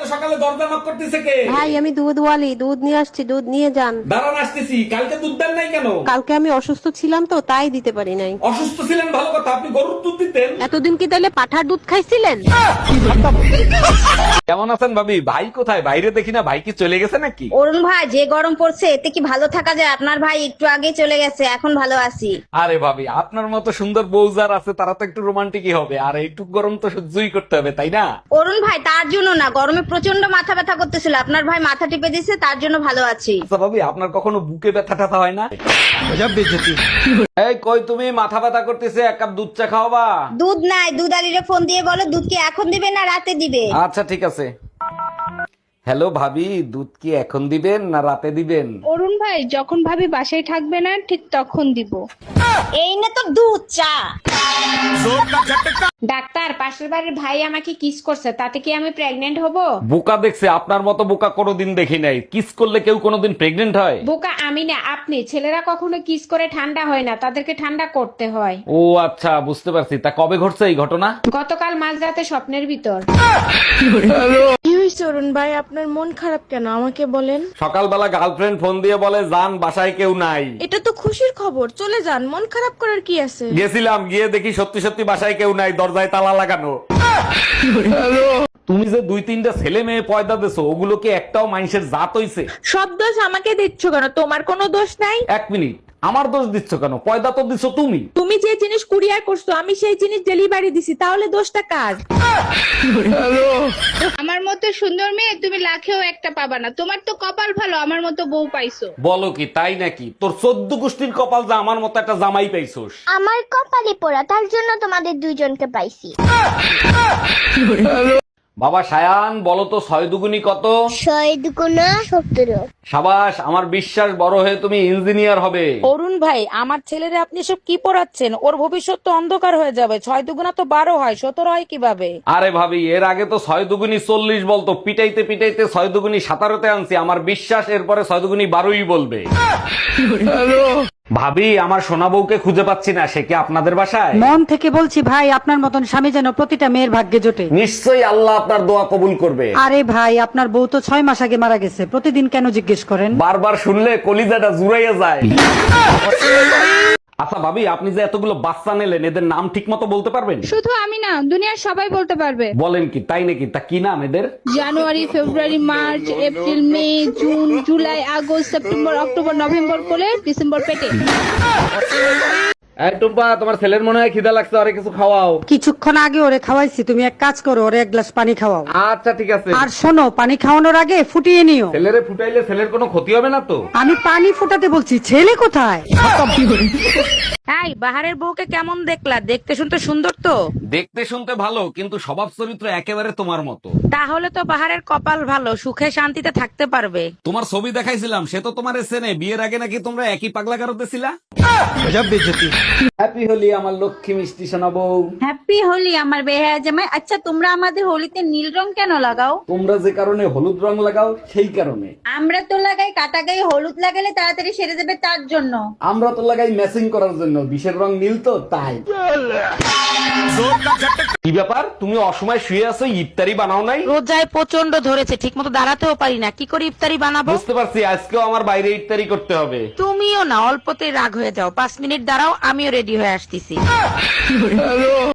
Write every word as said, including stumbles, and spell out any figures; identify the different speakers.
Speaker 1: সকালে দরজা knock করতেছে কে?
Speaker 2: ভাই আমি দুধ ওয়ালি, দুধ নিয়ে আসছি, দুধ নিয়ে যান।
Speaker 1: দাঁড়ান আসতেছি। কালকে দুধ দেন নাই কেন?
Speaker 2: কালকে আমি অসুস্থ ছিলাম তো তাই দিতে পারি নাই।
Speaker 1: অসুস্থ ছিলেন ভালো কথা, আপনি গরুর দুধ দিতেন।
Speaker 2: এতদিন কি তাহলে পাঠার দুধ খাইছিলেন?
Speaker 1: কেমন আছেন ভাবি? ভাই কোথায়? বাইরে দেখি না, ভাই কি চলে গেছে নাকি?
Speaker 3: অরুণ ভাই, যে গরম পড়ছে এতে কি ভালো থাকা যায়? আপনার ভাই একটু আগে চলে গেছে, এখন ভালো আছি।
Speaker 1: আরে ভাবি, আপনার মতো সুন্দর বউ যার আছে তারা তো একটু রোমান্টিকই হবে, আর একটু গরম তো সহ্যই করতে হবে, তাই না?
Speaker 3: অরুণ ভাই, তার জন্য না, গরমে প্রচন্ড মাথা ব্যথা করতেছিল, আপনার ভাই মাথা টিপে দিছে, তার জন্য ভালো আছি।
Speaker 1: আচ্ছা ভাবি, আপনার কখনো বুকে ব্যথা টাথা হয় না? এই কই তুমি, মাথা ব্যথা করতেছে, এক কাপ দুধ চা খাওয়াবা?
Speaker 3: দুধ নাই, দুধ আলিরে ফোন দিয়ে বলো দুধ কি এখন দিবে না রাতে দিবে।
Speaker 1: আচ্ছা ঠিক আছে। হ্যালো ভাবি, দুধ কি এখন দিবেন না রাতে দিবেন?
Speaker 4: অরুণ ভাই, যখন ভাবি বাসায় থাকবে না ঠিক তখন দিব।
Speaker 3: এই না তো দুধ চা।
Speaker 4: ডাক্তার, পাশের বাড়ির ভাই আমাকে কিস করছে, তাতে কি আমি প্রেগনেন্ট হব?
Speaker 1: বোকা দেখছে, আপনার মতো বোকা কোনোদিন দেখি নাই। কিস করলে কেউ কোনোদিন প্রেগনেন্ট হয়?
Speaker 4: বোকা আমি না, আপনি। ছেলেরা কখনো কিস করে ঠান্ডা হয় না, তাদেরকে ঠান্ডা করতে হয়।
Speaker 1: ও আচ্ছা, বুঝতে পারছি। তা কবে ঘটছে এই ঘটনা?
Speaker 4: গতকাল মাঝরাতে স্বপ্নের ভিতর।
Speaker 5: কি হয়েছে অরুণ ভাই, আপনার মন খারাপ কেন আমাকে বলেন?
Speaker 1: সকালবেলা গার্লফ্রেন্ড ফোন দিয়ে বলে যান বাসায় কেউ নাই।
Speaker 5: এটা তো খুশির খবর, চলে যান, মন খারাপ করার কি আছে?
Speaker 1: গেছিলাম, গিয়ে দেখি সত্যি সত্যি বাসায় কেউ নাই, দরজায় তালা লাগানো। তুমি যে দুই তিনটা ছেলে মেয়ে পয়দা দেছো, ওগুলো কি একটাও মানুষের জাত হইছে?
Speaker 5: সব দোষ আমাকে দিচ্ছ কেন? তোমার কোনো দোষ নাই।
Speaker 1: এক মিনিট, আমার দোষ দিচ্ছ কেন? পয়দা তো দিছো তুমি।
Speaker 5: তুমি যে জিনিস কুরিয়ার করছো আমি সেই জিনিস ডেলিভারি দিছি, তাহলে দোষটা কার?
Speaker 4: আমার মতো সুন্দর মেয়ে তুমি লাখেও একটা পাবা না। তোমার তো কপাল ভালো, আমার মতো বউ পাইছো।
Speaker 1: বলো কি, তাই নাকি? তোর চোদ্দ গোষ্ঠীর কপাল যা আমার মতো একটা জামাই পাইছোস।
Speaker 6: আমার কপালে পোড়া, তার জন্য তোমাদের দুইজনকে পাইছি।
Speaker 1: বাবা সায়ান, বলো তো ছয় দুগুনি কত?
Speaker 6: ছয় দুগুণা সতেরো।
Speaker 1: সাবাস, আমার বিশ্বাস বড় হয়ে তুমি ইঞ্জিনিয়ার হবে।
Speaker 7: অরুণ ভাই, আমার ছেলেরে আপনি সব কি পড়াচ্ছেন? ওর ভবিষ্যৎ তো অন্ধকার হয়ে যাবে। ছয় দুগুণা তো বারো হয়, সতেরো হয় কিভাবে?
Speaker 1: আরে ভাবি, এর আগে তো ছয় দুগুনি চল্লিশ বলতো, পিটাইতে পিটাইতে ছয় দুগুনি সাতারোতে আনছি। আমার বিশ্বাস এরপরে ছয় দুগুনি বারোই বলবে। ভাবি, আমার সোনা বউকে খুঁজে পাচ্ছি না, সে কি আপনাদের বাসায়?
Speaker 8: মন থেকে বলছি ভাই, আপনার মতন স্বামী যেন প্রতিটা মেয়ের ভাগ্যে জোটে।
Speaker 1: নিশ্চয়ই আল্লাহ আপনার দোয়া কবুল করবে।
Speaker 8: আরে ভাই, আপনার বউ তো ছয় মাস আগে মারা গেছে, প্রতিদিন কেন জিজ্ঞেস করেন?
Speaker 1: বারবার শুনলে কলিজাটা জুড়াইয়া যায়। আচ্ছা ভাবি, আপনি যে এতগুলো বাচ্চা নিলেন, এদের নাম ঠিক মতো বলতে পারবেন?
Speaker 4: শুধু আমি না, দুনিয়ার সবাই বলতে পারবে।
Speaker 1: বলেন কি, তাই নাকি? তা কি নাম এদের?
Speaker 4: January, February, March, April, May, June, July, August, September, October, November কোলে, ডিসেম্বর পেটে।
Speaker 1: এই টুম্পা, তোমার ছেলের মনে হয় খিদা লাগছে, আরে কিছু খাওয়াও।
Speaker 8: কিছুক্ষণ আগে ওরে খাওয়াইছি, তুমি এক কাজ করো, ওরে এক গ্লাস পানি খাওয়াও।
Speaker 1: আচ্ছা ঠিক আছে।
Speaker 8: আর শোনো, পানি খাওয়ানোর আগে ফুটিয়ে নিও।
Speaker 1: ছেলেরে ফুটাইলে ছেলের কোনো ক্ষতি হবে না তো?
Speaker 8: আমি পানি ফুটাতে বলছি, ছেলে কোথায়?
Speaker 7: এই বাহারের বউকে কেমন দেখলা? দেখতে শুনতে সুন্দর তো?
Speaker 1: দেখতে শুনতে ভালো, কিন্তু স্বভাব চরিত্র একেবারে তোমার মতো।
Speaker 7: তাহলে তো বাহারের কপাল ভালো, সুখে শান্তিতে থাকতে পারবে।
Speaker 1: তোমার ছবি দেখাইছিলাম, সে তো তোমার চেনে। বিয়ের আগে নাকি তোমরা একই পাগলা গারোতে ছিলা। হ্যাপি হোলি আমার লক্ষ্মী মিষ্টি সোনা বউ।
Speaker 3: হ্যাপি হোলি আমার বেহায়া জামাই। আচ্ছা, তোমরা আমাদের হোলিতে নীল রং কেন লাগাও?
Speaker 1: তোমরা যে কারণে হলুদ রং লাগাও সেই কারণে।
Speaker 3: আমরা তো লাগাই কাটা গায়ে হলুদ লাগালে তাড়াতাড়ি সেরে যাবে, তার জন্য।
Speaker 1: আমরা তো লাগাই ম্যাচিং করার জন্য, বিষের রং নীল তো তাই। কি ব্যাপার, তুমি অসময় শুয়ে আছো, ইফতারি বানাও নাই?
Speaker 7: রোজায় প্রচন্ড ধরেছে, ঠিক মতো দাঁড়াতেও পারি না, কি করে ইফতারি বানাবো?
Speaker 1: বুঝতে পারছি, আজকেও আমার বাইরে ইফতারি করতে হবে।
Speaker 7: তুমিও না, অল্পতেই রাগ হয়ে যাও। পাঁচ মিনিট দাঁড়াও, আমিও রেডি হয়ে আসতেছি।